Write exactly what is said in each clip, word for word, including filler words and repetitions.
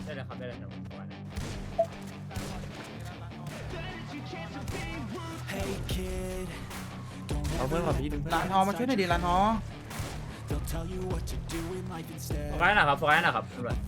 ได้เลยครับได้เลยครับผมก่อนนะเอาเพื่อนกับพี่ดึงร้านทองมาช่วยหน่อยดิร้านทองโฟกัสหน่อยครับโฟกัสหน่อยครับตำรวจ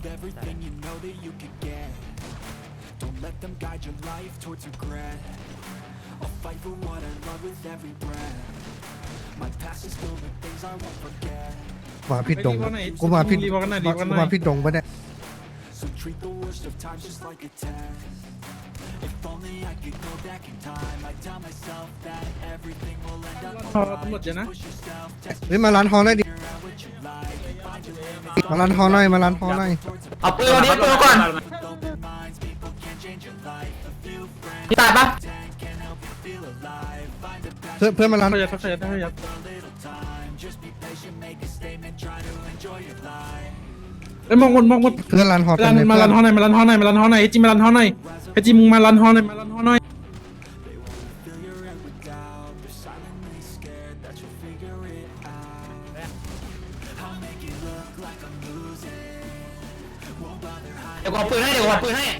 Don't let them guide your life towards regret. I'll fight for what I love with every breath. My past is filled with things I won't forget. มาผิดดงกูมาผิดกูมาผิดดงปะเนี่ย So treat the worst of times just like a test. If only I could go back in time, I'd tell myself that everything will end up alright. Just push yourself, test เฮ้ยมาร้านทองได้ดิ figure out what you like, and find your limits. มาร้านทองหน่อยมาร้านทองหน่อยเอาปืนนี้ปืนก่อน With open minds, people can change your life. A few friends พี่ตายปะ can help you feel alive. Find a เพื่อนเพื่อนมาร้านขยับขยับขยับ little time. Just be patient, make a statement, try to enjoy your life. เอ้ยมองบนมองบนเพื่อนร้านทองร้านมาร้านทองหน่อยมาร้านทองหน่อยมาร้านทองหน่อยไอจิมาร้านทองหน่อยไอจิมึงมาร้านทองหน่อยมาร้านทองหน่อย They wanna fill your head with doubt. They're silently scared that you'll figure it out. I'll make it look like I'm losing. Won't bother hiding. เดี๋ยวกูเอาปืนให้เดี๋ยวกูเอาปืนให้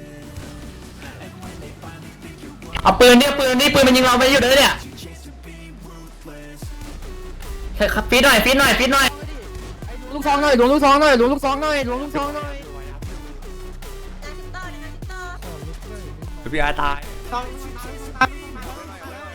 เอาปืนเนี่ยปืนนี่ปืนมันยิงเราไปอยู่เลยเนี่ย Chance to be ruthless. ครับฟีดหน่อยฟีดหน่อยฟีดหน่อยลูกซองหน่อยหลวงลูกซองหน่อยหลวงลูกซองหน่อยหลวงลูกซองหน่อยนาทิตเตอร์นาทิตเตอร์พี่อาตายซองซ